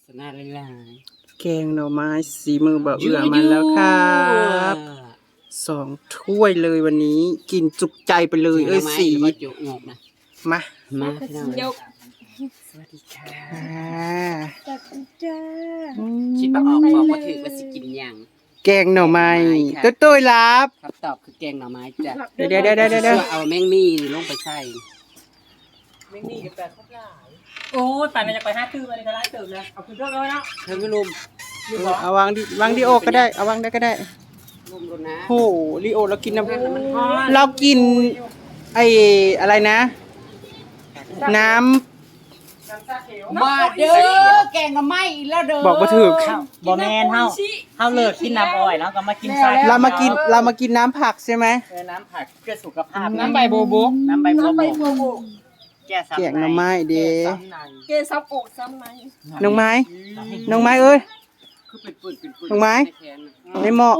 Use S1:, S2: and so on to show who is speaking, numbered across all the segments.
S1: สนาหลาย
S2: แกงหน่อไม้สีมือบ่าวเอื้อมาแล้วครับ2 ถ้วยเลยวันนี้กินจุกใจไปเลยเอ้ยสี
S1: ก็จุงอกนะ
S2: มา
S1: มาพี่น้อง
S3: ยก
S1: สวัสดีค่ะ
S3: สวัสดีจ้า
S1: คิดว่าออกบอกว่าถือว่าสิกินหยัง
S2: แกงหน่อไม้
S1: ค่ะ
S2: ตุ้ยๆรับ
S1: ครับตอบคือแกงหน่อไม้จ้ะ
S2: เดี๋ยว
S1: เอาแมงมี่นี่ลงไปใส่
S4: ไม่มีกับแต่ครบหลายโอ้ยป่านนั้นจะไป5 ตื้อมาเลยก็ไล่เติมนะเอาคุณเท่ากันเนาะ
S1: เธอไม่ลุม
S2: เอาวางดิโอก็ได้เอาวางได้ก็ได้
S1: ลุมรถนะ
S2: โหลิโอเรากินน้
S1: มัน
S2: ำเรากินไอ้อะไรนะ น้
S4: น้ำชาเขียว
S1: มาเด้อแกงหน่อไม้อีกแล้วเด้อ
S2: ำบอกว่าถือ
S4: บ่แมนเฮาเลิกกินน้ำอ้อยแล้วก็มากินชา
S2: เรามากินน้ำผักใช่ไหม
S4: น้ำผักเพื่อสุขภาพ
S2: น้ำใบโบโบ
S4: น้ำใบโบโบแก้
S2: แกงหน่อไม้เด้
S3: เกซับอกซ้ำไหม
S2: น้องไม้เอ้ย
S1: คือเป็นปืน
S2: น้องไม้
S1: ในแขนน่ะ
S2: ในหม้อ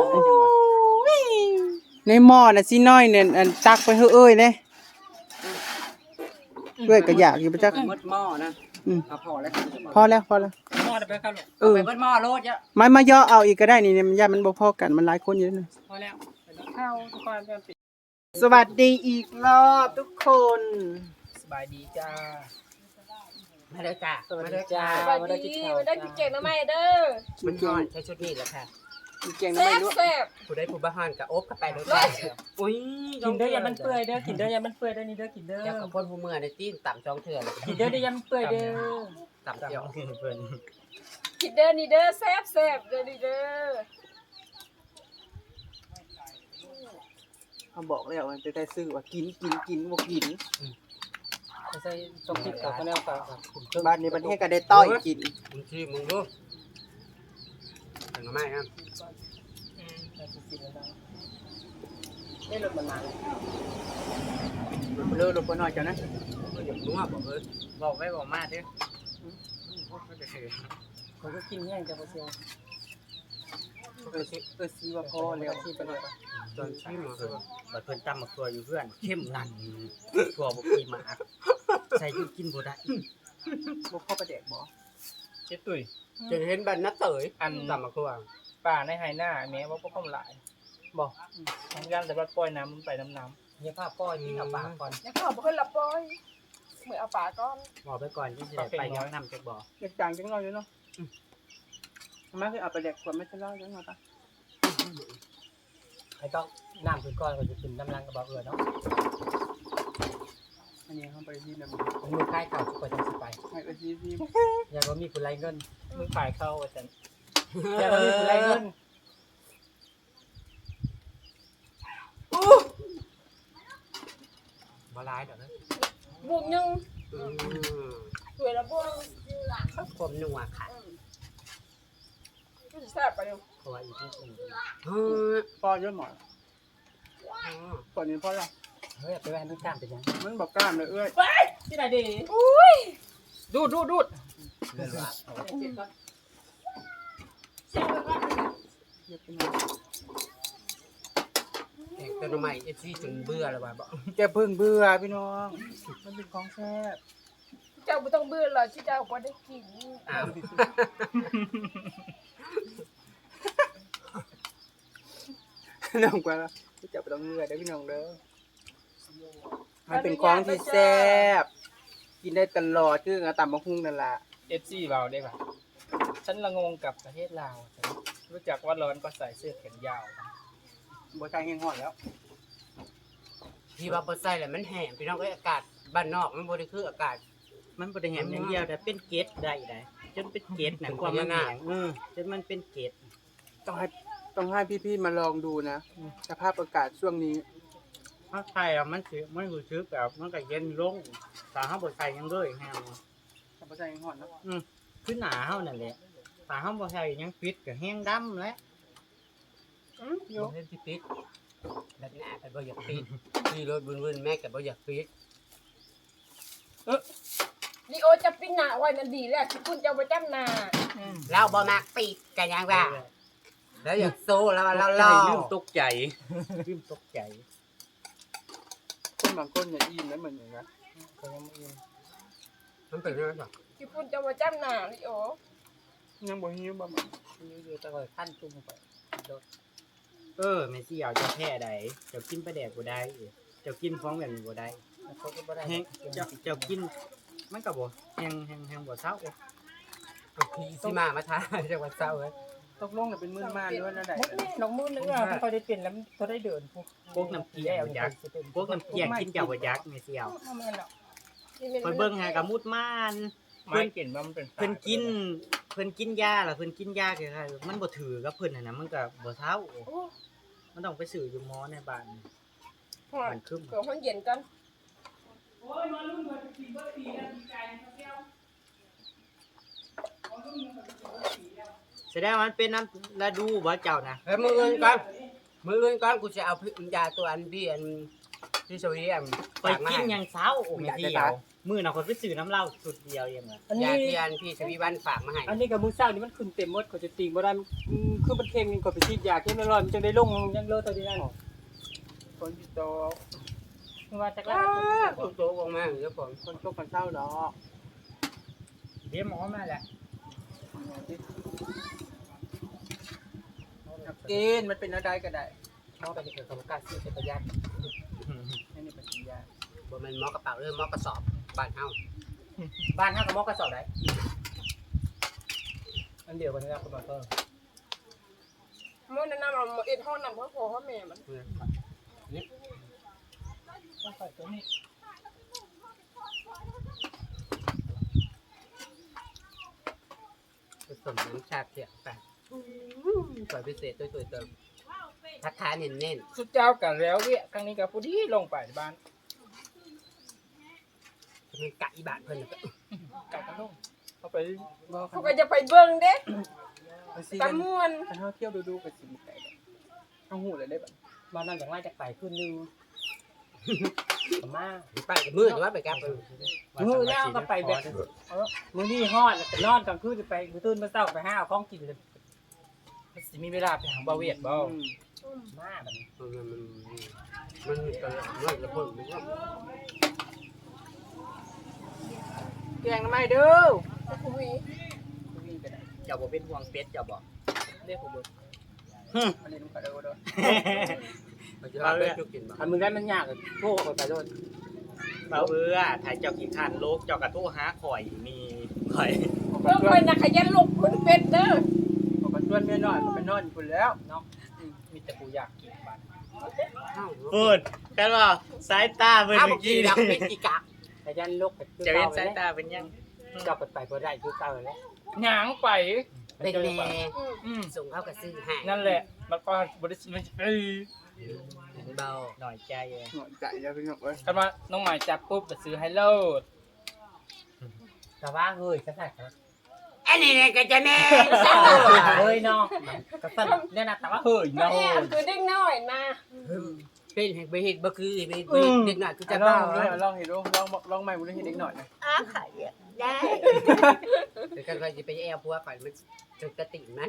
S2: น่ะสิน้อยเนี่ยอันตักไปเฮ้อเอ้ยเลยเอ้ยก็อยากอยู่ประจัก
S1: มดหม้อนะ
S2: อืม
S1: เอาพอแล้ว
S2: พอแล้ว
S4: หม้อได้ไปครับลูก
S2: เออ
S1: ไปมดหม้อโลดเยอะ
S2: มาย่อเอาอีกก็ได้นี่เนี่ยมันย่ามันบ่พอกันมันหลายคนอยู่นะ
S4: พอแล้วเข้าทุกคนจะปิด
S2: สวัสดีอีกรอบทุกคน
S4: สบายดีจ้า
S1: มาเด้อจ้า
S4: สวัสดีจ้า
S3: สวัสดีมาได้กินเก่งนะแม่เด้อ
S1: มันนอนใช้ชุดนี้แหละค่ะ
S2: มีแกงหน่อ
S3: แซ่
S2: ไม้
S3: บ
S2: ด้วย
S3: แซ่บ
S1: ผู้ได้ผู้บ้านกับอบกับไปรถอุ้ย
S4: กินเด้ออย่ามันเปื่อยเด้อกินเด้ออย่ามันเปื่อยเด้อนี่เด้อกินเด้อ
S1: อยากกับคนผู้เมื่อในตีนต่ำจองเถื่อน
S4: กินเด้ออย่ามันเปื่อยเด้อ
S1: ต่ำเดียว
S4: เพื่อน
S3: กินเด้อนี่เด้อแซ่บแซ่บเด้อนี่เด้อ
S2: เขาบอกแล้วมันจะได้ซื้อว่ากินบ่กิน
S4: ใส่ต้องคิดกับคนแนวฝาก
S2: บ้านนี้ประเทศก็ได้ต้อยกิน
S1: มึงชี้มึงดูถึงไม่ครับ
S4: ไม่หลุดมันมา
S2: เลิกลงไปหน่อยจ้ะนะ
S1: อยากรู้ว่าบอก
S4: บอกไว้บอกมาเด้อเขาก็กินแห้งจะมาเชียว
S2: ซีว่าพอแล้ว
S4: ที่ไปเลย
S1: ตอนชี้มา
S4: บัดเพิ่นตำมักตัวอยู่เพื่อนเข้มนั่นตัวบ่กินมาใส่กินบ่ได้
S2: บ่พอประเด็กบ่
S4: เจ็ดตุ้ย
S1: จะเห็นบันนัดเต๋ยต่ำมาคือว่า
S4: ป่าในไฮหน้าแม้ว่าพวกเขาหลายบอกทำงานแต่ว่าปล่อยน้ำมันไปน้ำเนี่ยภาพปล่อยที่เอาปากก่อน
S3: แล้วก็บอกให้ละปอยเหมือนเอาปลาก้อน
S4: บอกไปก่อนที่จะไปย้อนนำจากบ่อ
S2: เด็กจางจังน้อยอยู่เนาะมาคือเอาประเด็กกว่าไม่ใช่เล่าจังหน่อยปะ
S4: ไอ้ต้องน้ำคือก้อนก็จะกินน้ำรังกับบ่อเอือเนาะ
S2: อันนี้เขาไปที่นั่น
S4: ผมมือใกล้เก่าทุกคนจะไป
S2: ให้ไปที่
S4: อย่าว่ามีผู้ไรเงินมือฝ่ายเข้าอาจารย์อย่าว่ามีผู้ไรเงิน
S1: บาลายเดี๋ยวนะ
S3: บวกยังสวยละบวก
S1: ความนัวค่ะ
S3: ก็จะแซ่บไปเร็ว
S4: เพราะว่าอีกนิดนึง
S2: พ่อเยอะหมดก่อนนี้พ่อละ
S4: เฮ้ยไปแว่นต้องการเป็นยัง
S2: มันบอกกล้ามเลยเอ้ย
S4: ที่ไหนดี
S3: อุ้ย
S4: ดูด
S1: เรื่องว่า
S2: เยอะไปหน่อย
S1: แข่งตัวใหม่เอฟซีจนเบื่อแล้วว่าบอก
S2: แกเพิ่งเบื่อพี่น้องมันเป็นของแซ่บ
S3: เจ้าไม่ต้องเบื่อหรอกที่เจ้าก็ได้กิน
S1: อ้าว
S2: น้องกว่าจะไปต้องเบื่อได้พี่น้องเด้อมันเป็นของที่แซ่บกินได้ตลอดคือต่ำมะฮุ่งนั่นแหละ
S4: FC เราได้ป่ะฉันละงงกับประเทศลาวรู้จักว่าร้อนก็ใส่เสื้อแขนยาว
S2: บัวใจแห้งหอดแล้ว
S1: พี่ว่าเปิดใส่แหละมันแห้งพี่น้องก็อากาศบ้านนอกมันบริคืออากาศ
S4: มันบ่ได้แหมอย่างเดียวแต่เป็นเกล็ดได้จนเป็นเกล็ดนะ
S1: เป็น
S4: ความมัน
S1: พญานาค
S4: แข็งจนมันเป็นเกล็ด
S2: ต้องให้พี่ๆมาลองดูนะสภาพอากาศช่วงนี้
S4: ถ้าใส่แล้วมันสิมันรู้สึกแบบมันก็เย็นลงถ้าเฮาบ่ใส่หยังเลยแฮว
S2: บัวใจแห้งหอดแล้ว
S4: คือหนาเฮานั่นแหละถ้าเฮาบ่ใส่หยังปิดก็แห้งดำแล้ว
S1: ยกเล่นที่ปิดแบบหน้ากันบ่อยากปิดที่รถวุ่นๆแม่กับบ่อยากปิด
S3: ลีโอจะปิ้นหนาไว้นั่นดีแหละที่คุณจะเอาไปจ้ำนา
S1: เราบ่มักปิดกันยังว่าแล้วอยากโซ่แล้วเราล่อ
S4: ลืมตกใจลืมตกใจ
S2: คนบางคนเนี่ยอิ่มแล้วเหมือนอย่างนั้น
S4: ก็ยังบ่อิ่ม
S1: มันเป็นยังไง
S3: ที่คุณจะเอาไปจ้ำนาลีโอ
S2: ยังบ่หิวบ่มา
S4: อยู่ตะกอยขั้นจุ่มไปโดด
S2: แม่สิเอาเจ้าแพ้ใดเจ้ากินปลาแดกบ่ได้เจ้ากินฟ้องแบบนี้บ่ได้
S4: แล้วเขาก็บ่ได้
S2: แฮงเจ้ากินมันก็บ่แฮงบ่เซา
S1: พี่สิมาทาจังหวัดเศร้าเลย
S2: ตกลงน่ะเป็นมื้อมาด้วยนะได้
S4: มดนี่น้องมือนึงอ่ะเขาได้เปลี่ยนแล้วเขาได้เดินพวก
S2: พวกน้ำเกลียวยักษ์พวกน้ำเกลียวกินเจ้าบ่ยักษ์แม่สิเอา
S4: แม่นหรอก
S2: ไปเบิ่งหากะมุดม่าน
S4: ไม่เปลี่ยนว่ามันเป็น
S2: เพิ่นกินยาล่ะเพิ่นกินยาคือมันบ่ถือกับเพิ่นน่ะนะมันก็บ่เซามันต้องไปซื้ออยู่หมอในบ้านมันคึม
S3: เผื่อห้องเย็นกัน
S2: แสดงว่ามันเป็นน้ำฤดูบ่เจ้านะ
S1: เฮ้ยมืออื่นก่อนกูจะเอายาตัวอันพี่อันที่สวีอัน
S2: ไปกินหยังเซาโอ้แม่สิเอามื้อน่ะคนไปซื้อน้ำเหล้าสุดเดียวเองว่ะ
S4: อัน
S1: ยา
S4: นี้
S1: ที่อันพี่สวีบ้านฝากมาให้
S4: อันนี้กับมือเศร้านี่มันขึ้นเต็มหมดเขาจะติงบ่ได้คือมันเค็มกว่าไปฉีดยาเข้มร้อนมันจึงได้ลงยังเลอะตัวนี้นั่น
S2: คนสิโต
S4: ว่าจัก
S1: อ้า
S4: แล้ว
S1: วโตออกมาเดี๋ยวผม
S2: คนตกกันเศร้าดอก
S4: เดี๋ยวหมอมาแหละ
S2: กินมันเป็นอะไรก็ได้
S4: หมอไปนี่คือสมการซื้อเป็นประหยัด
S2: นี่เป็นยา
S1: บ่แม่นหมอกระเป๋าเด้อหมอกระสอบบ้านเฮา
S4: บ้านเฮากับหมอกระสอบได้อันเดียวกันนะครับคุณหมอเพิ่ม
S3: เมื่อนั้นเราเอ็ดห้องนั่นเพราะพ่อพ่อแม่มัน
S4: ต้องใส่ตัวนี้
S1: ผสมน้ำชาเขียวไปสวยพิเศษตัวเติมทักทายเน้น
S4: สุดเจ้ากันแล้วเวียครั้งนี้กับผู้ที่ลงไปบ้าน
S1: ๆจะเป็นกะอีบาทเพิ่นน่ะก็
S4: กลับมาลงเข้าไป
S2: บอก
S3: เขาก็จะไปเบิ่งเด้
S2: มันสิ
S3: กั
S2: กัน น
S3: ม่วน
S2: เฮาเที่ยวดูก็สิมีไก่เอาหูเลยได้บัด
S4: บ้านนั่นจากไล่จากไปขึ้นนึงมา
S1: ไปกับมือหรือว่าไปกับ
S4: มือแล้วก็ไปแบบมือนี่ฮอดแต่นอนกลางคืนจะไปมือตื่นมาเช้าไปหาของกินเลยมันสิมีเวลาไปหาบ่าวเวียดบ่มาแบบนี้
S1: มันก็มันก็เพิ่นมันก็
S2: แกงน้ำไม้เด้อ
S3: คุย
S2: นี่ก็ได้
S1: เจ้าบ่เป็นห่วงเป็ดเจ้าบ่
S4: เรียกผมดู
S2: อันนี้มันก็ได้บ่เด้อ
S1: เขาจะเอาเป็ดจุกินบ่
S4: ทำมึงได้มันยากเลยโทษไปโดน
S2: เบาเบื่อถ่ายเจ้าขี้ข้านโลกเจ้ากระทู้หาข่อยมีข่อย
S3: เบิ่งไปนะขยันลบคนเป็ดเด้อ
S2: ผมก็ชวนเมียน้อยผมไปนอนพุ่นแล้ว
S4: เนาะมีแต่กูอยากกินบ้าน
S2: พูดกันว่าสายตาเบิ่ง
S1: อ้าว
S2: เมื่
S1: บ่
S2: อ
S1: กี้
S2: กี้
S1: ดั
S2: นะ
S1: กเป็ดอีกะ
S4: แต่ยันลกไป
S2: จะเห็นสายตาเป็นยัง
S4: กลับไปบ่ได้คือเก่าแล้ว
S5: หยางไป
S1: เป็นแน่
S3: อืม
S1: ส่งเขาก็ซื้อให้
S5: นั่นแหละแล้วก็บริษัทเอ้ย
S1: เห็นเบา
S2: หน่อยใจเลย
S6: หน่อยใจแล้วพี่น้องเอ้ย
S5: กันว่าน้องหมายจับปุ๊บจะซื้อให้โลด
S4: แต่ว่าเฮ้ยกระแทก
S1: อันนี้เนี่ยก็จะแม่เศร้า
S4: เฮ้ยเนาะกระสั่นเนี่ยนะแต่ว่าเฮ้ย
S3: แม่
S4: เนาะ
S3: คือเด็กน้อยนะ
S1: เป็นแห่งไปเฮ็ดบ่คือไปเด็กน้อยคือจะ
S6: ลอ
S1: เบาง
S6: ลองเห็นดูลองใหม่บุญเห็นเด็กหน่อยนะ
S1: ได้แต่ก็ค่อยสิไปแอวผัวข่อยมันจุดกระติมัน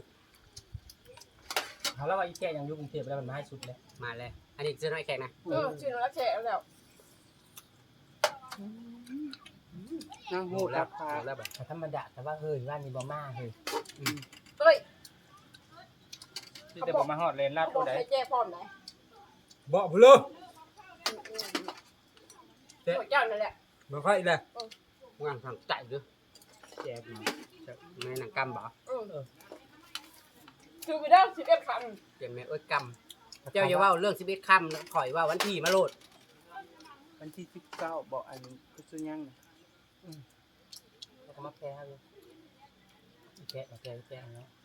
S4: เขาเล่าว่าอีแก่ยังอยู่กรุงเทพแล้วมันมาให้สุดเลย
S1: มาเลยอันนี้ซื้อน้อยแขกนะ
S3: ชื่อรักแฉแล้ว
S6: นั่ง
S1: โห
S6: หู
S1: แล้
S6: รั
S1: ว
S6: บพา
S1: แล้วแบบ
S4: แต่ธรรมดาแต่ว่าเฮ้ยว่านี่บ่มาเฮ้ย
S3: เอ้ย
S5: ที่จะบอกมาฮอดเลนลาด
S3: บ
S5: ตั
S3: อ
S5: ว
S3: ก
S5: ใด
S3: ให้แจ้พร้อมไหน
S1: บ่บ่รู้
S3: เจ้านั่นแหละ
S1: บ่ค่อยเลยงานทางใจเด้อแจกมาแม่นางกำบ่
S3: คือไปได้11คำ
S1: เดี๋ยวแม่เอ้ยกำเจ้าอย่าเว้าเรื่อง11ค่ำแล้วข่อยว่าวันที่มาโลด
S6: วันที่19บอกอันกุศลยังนะ
S4: แล้วก็มาแพ้เลยแพ้เนาะ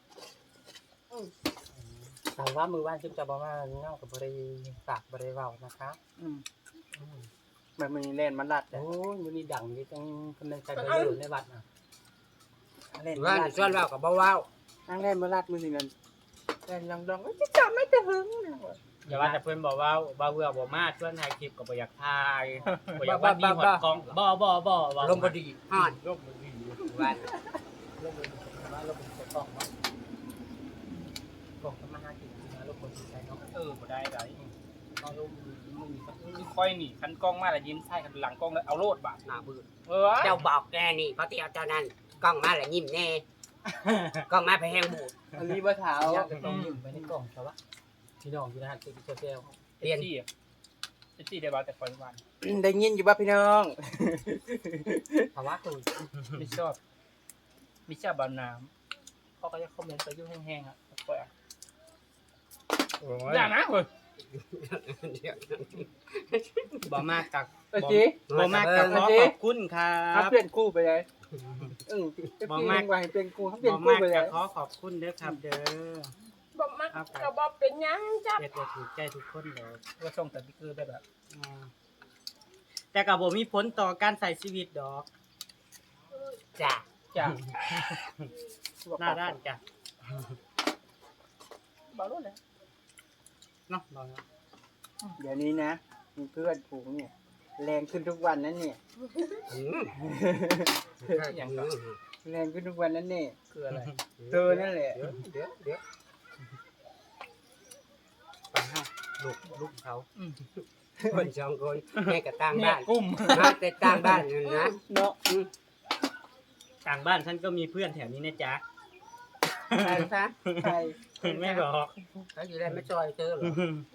S4: แต่ว่ามือว่านจึงจะบอกว่าเงากับบริปากบริเว้านะคะ
S6: แบบมันเล่นมันลัด
S4: โอ้ยมือนี้ดังนี่ต้องกำลังใจไปอยู่ในวัดอ่ะ
S6: เล่น
S1: ว่าชวนเว้ากับบ่เว้า
S6: นั่งเล่นมันลัดมือหนึ่งกันเล่นลองจะจับไม่จะหึง
S2: อย่าว่าแต่เพื่อนบอกว่าบ่เบื่อบ่มาชวนถ่ายคลิปก็บ่อยากถ่ายบ่อยากว่าดีหดกล้องบ่
S1: ลมบ่ดีฮ้อน
S2: ลมบ่ดี
S1: ว่า
S4: ลงมือว่าลงมือใส่กล่องเนาะกล่องทำมาหากินนะลงมือใส่เนาะ
S5: บ่ได้ได
S4: เอาลงมือมี
S5: คือค่อยนี่คันกล้องมาแล้วยิ้มใส่คันหลังกล้องแล้วเอาโลดบาด
S1: หน้าบื้อ
S5: เออ
S1: เจ้าบอกแกนี่เพราะที่เอาเจ้านั้นกล้องมาแล้วยิ้มแน่กล้องมาไปแห้งบูด
S2: อันนี้บ่เท้า
S4: อยากจะต้องยิ้มไปในกล่องแต่ว่าพี่น้องอยู่นะฮะตัวเซล
S5: เปลี่ยนที่ได้บ่แต่คนวัน
S2: ได้ยินอยู่บ่พี่น้อง
S4: ภาวะตัว
S5: ไม่ชอบบ่น้ำเขาก็จะคอมเมนต์ไปยุ่งแห้งๆอ่ะปล่อยอย่านะเว้ย
S6: บ่มากกับ
S2: เออจี
S6: บ่มากกับขอขอบคุณครั
S2: ถ้า
S6: บ
S2: เปลี่ยนคู่ไปเลยบ่มากว่าให้เปลี่ยนคู่ถ้าเปลี่ยนคู่
S6: บ่มาก
S2: ไปเล
S6: กั
S2: ย
S6: บขอขอบคุณเด้อครับเด้อ
S3: บ่มักก็บ่เป็นหยังจ้ะ
S6: เฮ็ดให้ถูกใจทุกคนเลย
S5: ก็ส่งแต่พี่คือได้แบบ
S6: แต่ก็บ่มีผลต่อการใช้ชีวิตดอก
S1: จ้ะ
S5: จ้า
S6: หน้าด้านจ้ะ
S5: บ่รู้เลย
S6: เนาะบ่เนาะ
S2: เดี๋ยวนี้นะมีเพื่อนฝูงเนี่ยแรงขึ้นทุกวันนั่นเนี่ย
S5: อย่างก็
S2: แรงขึ้นทุกวันนั่นเนี่ย
S5: คืออะไร
S2: เธอนั่นแหละ
S1: เดี๋ยวไปเฮาลูกเขาคนสองคนแม่กับต่าง
S5: แม่
S1: บ้าน
S5: กุ้ม
S1: มาแต่ต่างบ้านนั่นนะ
S2: เนาะ
S6: ต่างบ้านฉันก็มีเพื่อนแถวนี้นะจ๊ะ
S1: ใช่ซะ
S2: ใคร
S6: ไม่บอก
S1: เขาอยู่ได้ไม่จอยเจอหรอ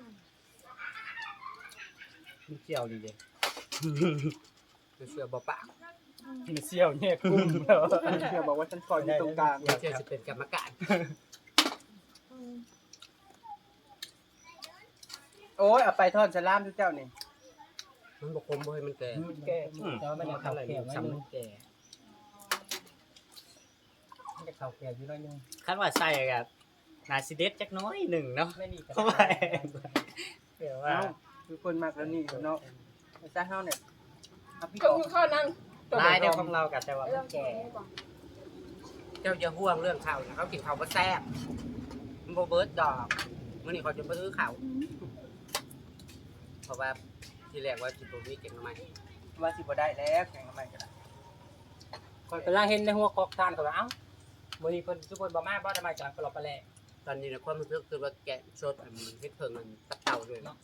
S6: มีเกี่ยวดีเด้
S1: เสือบ่ปาก
S5: กินเซี่ยวเนี่ยกุ้มแล้ว
S2: เชื่อบอกว่าฉันคอยอยู่ตรงกลาง
S1: เสือจะเป็นกรรมการ
S2: โอ้ยเอาไปทอดสลามทุกเจ้านี่
S1: มันบ่คมบ่ให้มันแก่
S4: แก่แต่ว่ามันจะเข่าแก่ไว้
S1: ซ้ำ
S4: นึ
S1: มั
S4: ง
S1: นแก่
S4: มันจะเข่าแก่อยู่น้อยนึง
S6: คันว่าใส่กับนาซิเดสจักน้อยหนึ่งเนาะ
S4: ไม่นี่ก็
S6: เข้าไปเดี๋ยวว่า
S2: เอ้าคือคนมากแล้วนี่เนาะไอ้ซ่าเฮาเนี่ยเอาพี่
S3: ก็
S2: ต่อ
S3: อยู่ข้าวนั้น
S6: ลายเดียวของเรากับแต่ว่ามันแก่
S1: เจ้าอย่าห่วงเรื่องข้าวนะเขากินข้าวบ่แซ่บมันบ่เบิดดอกมื้อนี้เขาจะบ่ซื้อข้าวเพราะว่าที่แรกว่าสิบ่มีเก็บมาใหม่
S2: ว่าสิบ่ได้แล้วแข่งกันใหม่กันละ
S4: คนกำลังเห็นในหัวกอกทานก็ว่าเอ้ามื้อนี้เพิ่นทุกคนบ่มาบ่ได้มาจากปลอบปลาแล
S1: ตอนนี้นะความรู้สึกคือว่าแกะสดอันมันเฮ็ดเพิ่งมันตับเต่าด้วยเนาะ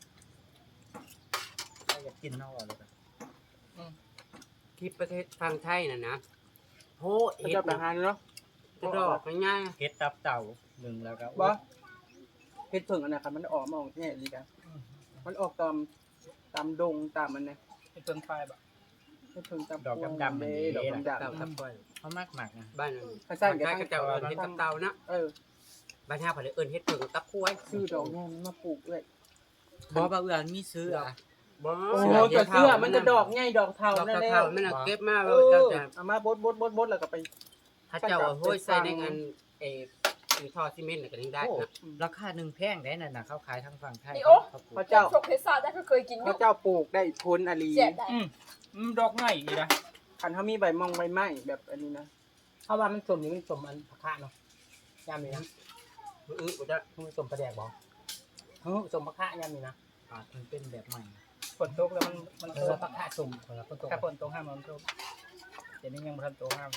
S6: อยากกินเท่าเลยครับ
S1: คลิปประเทศทางไทยน่ะนะโห
S2: เขา
S1: เฮ็ด
S2: จะประหารเนาะ
S1: จะดอกง่าย
S6: เฮ็ดตับเต่าหนึ่งแล้วก็
S2: บ่เฮ็ดเพิ่งอันนั้นครับมันออกมาออกแน่ดีกันมันออกตามดงตามมันนะ
S5: เป็นเพิ่งไฟแบบ
S2: เฮ็ดเพิ่งตาม
S6: ดอกดำๆ
S2: เด้
S6: นี่
S2: ดอก
S1: ๆ
S2: ดำ
S1: เต่าทับก้อย
S6: เขามากหมักนะ
S1: บ้านนั้น
S2: ๆเขาสร้าง
S1: ทาง
S2: กัน
S1: ไทยก็จะเอาเฮ็ดตับเต่านะ
S2: เออ
S1: บ้านเฮาเพิ่นเอิ้นเฮ็ดเพิ่งตับกล้วย
S2: ซื้อดอกแง่มันมาปลูกเลย
S6: บ่บ่เอื้อนมีซื้ออ่ะ
S1: บ่
S2: โอ้โหแต่เสื้อมันจะดอกใหญ่ดอกเทา
S1: ดอก
S2: นั่นแหละ
S1: เท่าๆมันน่ะเก็บมา
S2: เอ
S1: แล้วเจ้า
S2: อ
S1: จะ
S2: เอามาบดแล้วก็ไป
S1: ถ้าเจ้าเอาห้อยใส่ในงานท่อซีเมนต์น่ะก็ยังได้นะ
S6: ราคาหนึ่งแพงได้นั่นน่ะเขาขายทางฝั่งไทย
S3: นี่โอ้
S6: เขาปลูก
S2: พระเจ้า
S3: ชกเทศาได้ก็เคยกินอ
S2: พ
S3: ยู่
S2: ระเจ้าปลูกได้พ้นอาลี
S3: เสียได้
S5: ดอกง่ายอีกนะ
S2: คันเขามีใบมองใบไม้แบบอันนี้นะ
S4: เพราะว่ามันสมนี่มันสมอันผักคะเนาะยามนี้นะ
S1: บ่ได้
S4: มันสมประแดกบ่สมผักคะยามนี้นะ
S6: มันเป็นแบบใหม่
S5: ฝนตกแล้วมัน
S4: เอ
S5: ต
S4: อก ผักคะสมคนละคนตก
S5: ถ้าฝนตกห้ามมันตกเดี๋ยวนี้ยังบ่ทันตกห้าม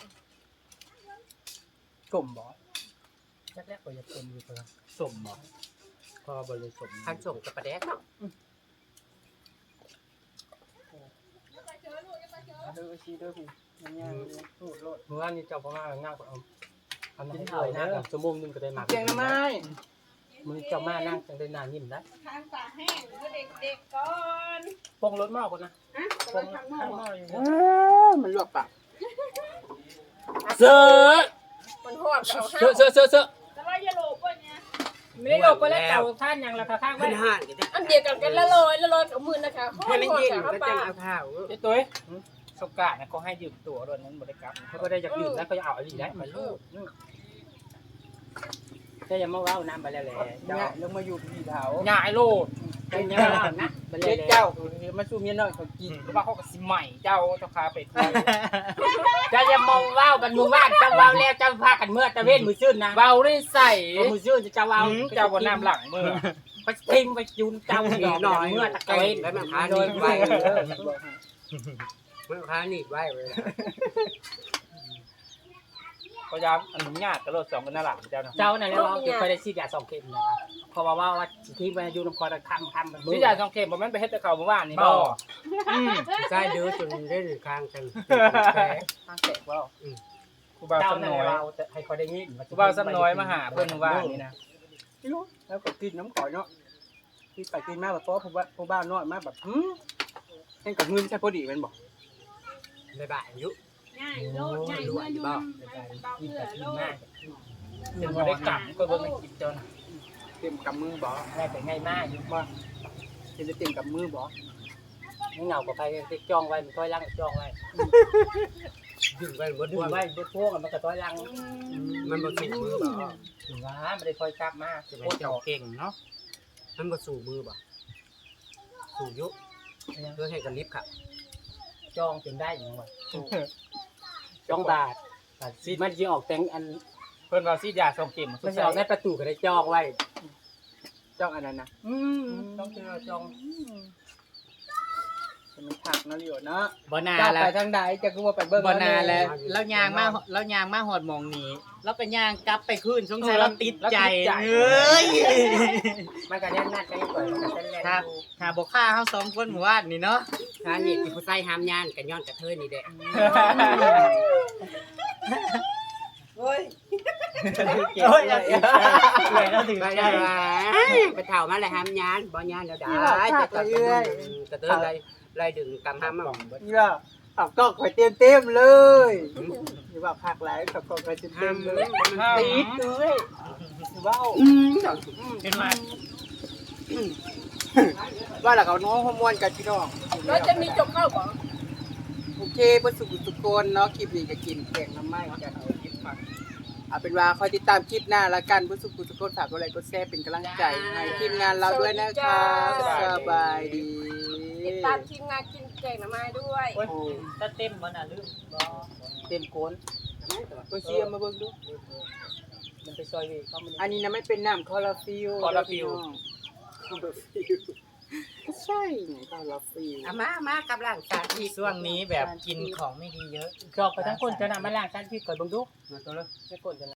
S2: กลมบ่
S4: แรกๆก็จะสมอยู่คนละ
S6: สมบ่พอบริสม
S1: คันส่งกับปลาแดกเนาะ
S2: เด้อชีเด้อพี่มันยากเลยพูดโลด
S4: เมื่อวานนี้เจ้าพ่อมาง่ายกว่าเอาให้เลยนะกับชั่วโมงนึงก็ได้มา
S2: เจียงน้ำไม้
S4: มือเจ้ามานั่งจังได้นานยิ้มได้
S3: ทางตาแห้งก็เด็กๆก่อน
S4: ปงรถมากคนนะ
S3: ฮะ
S4: ปง
S3: ทางน
S4: ข้าง
S3: อก
S4: นอกอยู่
S2: มันลวกปาก
S4: เสือ
S3: มันหอดเอาห้า
S4: เสือ
S3: แต่ว่าอย่าโลภป่ะเนี่ย
S4: ไม่ได้โยกไปแล้วเจ้าท่านยังราคาข้าง
S1: เพิ่
S3: Vâng.
S4: ไว้
S1: นห่านกันเด้
S3: อันเดียวกันละลอยเอามือนะคะ
S1: ให้มันเย็น
S3: ข้า
S1: ก็
S3: ป
S1: จั
S3: ลาง
S1: เอาข้าว
S5: เจ้ตุ้ยสกาดนะเขาให้ยืมตัวด้วยนั้นบริกรรม
S4: เขาก็ได้จากดื่มแล้วก็จะเอาอะไรได้มาลูกแต่ยังมาว้าวน้ำไปแล้วแหละ
S2: เนี่ยลงมาอยู่ที่เถา
S5: ง่ายโลด
S4: เป็นยังไงนะไปเล
S2: เจ็
S4: ย
S2: ดเจ้ามาสู้เมียน้อยเขากิน
S5: หรือว่าเขาก็สิใหม่เจ้าคาไปคุย
S4: จะยังมองว้าวกันมือว่านจะว้าวแล้วจะพากันเมื่อตะเวนมือชื่นนะ
S5: เบาได้ใส่
S4: มือชื่นจะว้าว
S5: เจ้าบนน้ำหลังมือ
S4: ไปทิ้งไปจุนเจ้า
S1: หน่อย
S4: เมื่อตะ
S1: เก่
S4: เวน
S1: แล้วมันพาหนีบไว้มันพาหนีบไว้เลย
S5: พยายามอนุญาตกระโดดสองกันหน้าหลังเจ้านะ
S4: เจ้านั่นแล้วเราเคยได้ฉีดยา2 เข็มนะครับเพราะว่าทิ้งไปอยู่น้ำคอตะค่ำมัน
S5: ที่ยาสองเข็มผมมันไปเฮ็ดแต่เขาเมื่อวานนี่บ่
S1: ใช่เดือจนได้หนึ่งครั้งกัน
S2: ทางแตกว่า
S5: กูบ่าว
S4: เจ้า
S5: ซ้ำ
S4: นั่น
S5: น้อย
S4: เราจะให้เขาได้ยิน
S5: กูบ่าวซ้ำน้อยมาหาเพิ่นว่านี่นะ
S2: ไม่รู้แล้วก็กินน้ำข่อยเนาะกินไปกินมาแบบเพราะผู้บ้านน้อยมาแบบเห็นกับเงินใช่พอดีแมันบอก
S1: ในบ่ายอายุ
S3: ง่ายโลดง่ายเมื่ออยู่เบา
S4: กิน
S3: เพื่อ
S4: แต่กิ
S3: โล
S4: น
S3: ด
S4: มาก
S5: เป็นบ่ได้กลับก็เบิ่งในคลิปเจ้าน่ะ
S2: เต็มกับมือบอก
S4: ได้แต่ง่ายมากอยู่ว่า
S2: เป็นจะเต็มกับมือบอก
S4: ไม่เหงากับใครติดจ้องไว้มันต้อยลังจ้องไว้
S1: ดึงไปหมด
S4: ดึ
S1: ด้ว
S4: ง
S1: ย
S4: ไว้บดพวกมันก็ต้อยลัง
S1: มันบ่สู่มือบ่
S4: ถึงว่าไม่ได้ค่อยกลับมา
S5: จะไปเจ้าเก่งเนาะ
S1: มันบ่สู่มือบ่สู่ยุเพื่อให้กันลิฟต์ค่ะ
S4: จ้องจนได้อย่างไรจ้องบาทซีมันยิงออกแตงอัน
S5: เพิ่นว่าซีดยาส่งเข็ม
S4: มันจะออกในประตูก็ได้จ้องไว้
S2: จ้องอันนั้นนะ
S4: ต้องเจอจ้อง
S2: จะมันถักเนาะเลียวเนาะ
S6: บ่นา
S2: เจ้า
S6: แล้
S2: ไป
S6: ว
S2: ทางใดจะกูว่าไปเบิ่ง
S6: บ่นาแล้วแล้วยางมาหอดหมองนี้แล้วก็ย่างกลับไปคืนสงสัยเราติดใจเอ้ย
S4: มันก็แน่นๆไปก่อนมันก็แน่น
S6: ครับถ้าบ่ฆ่าเฮาสองคนหมู่บ้านนี่เนาะ
S1: ถ้านี่ที่ผู้ใส่ห้ามย่านกันย้อนกระเทยนี่แหละ
S4: โอ้ย
S6: โอ้ยเลยแล้วถึง
S1: ไป
S6: ใจ
S1: ได้ไปเฒ่ามาเลยห้ามย่านบ่ย่านแล้วได้แต่กระเทยไล่ดึงกำห้ามมา
S2: นี่ว่าขับกล้องข่อยเต็มเลยนี่ว่าภาคหลายขับกล้องข่อยเต็มเลยตีดเลยนี่ว่า
S5: เป็นมา
S2: ว่าหลักเอาน้องฮอร์โมนกันพี่น้อง
S3: แล้วจะมีจบเข้าบ่
S2: โอเคเพื่อสุขทุกคนเนาะคลิปนี้จะกินแกงน้ำไหม้กันเอาคลิปฟังเอาเป็นว่าคอยติดตามคลิปหน้าละกันเพื่อสุขทุกคนฝากกดไลค์กดแชร์เป็นกำลังใจให้ทีมงานเราด้วยนะคะสบายดี
S3: ติดตามทีมงานกินแกงหน่อไม้ด้วย
S6: ถ้าเต็มบ่น่าลืมบ่
S2: เต็มโกนเพื่อเชียร์มาเบิ่งดู
S4: มันไปซอยเวเข้ามัน
S2: อันนี้นะไม่เป็นน้ำคอลลาฟิลใช่ไงคอลลาฟิล
S1: เอามากับร่างกายที่
S6: ช่วงนี้แบบกินของไม่ดีเยอะ
S4: จอกไปทั้งคนจะนำมาล้างจานพี่ก่อนเบิ่งดู
S1: มาตัวเลย
S4: จะคนจะ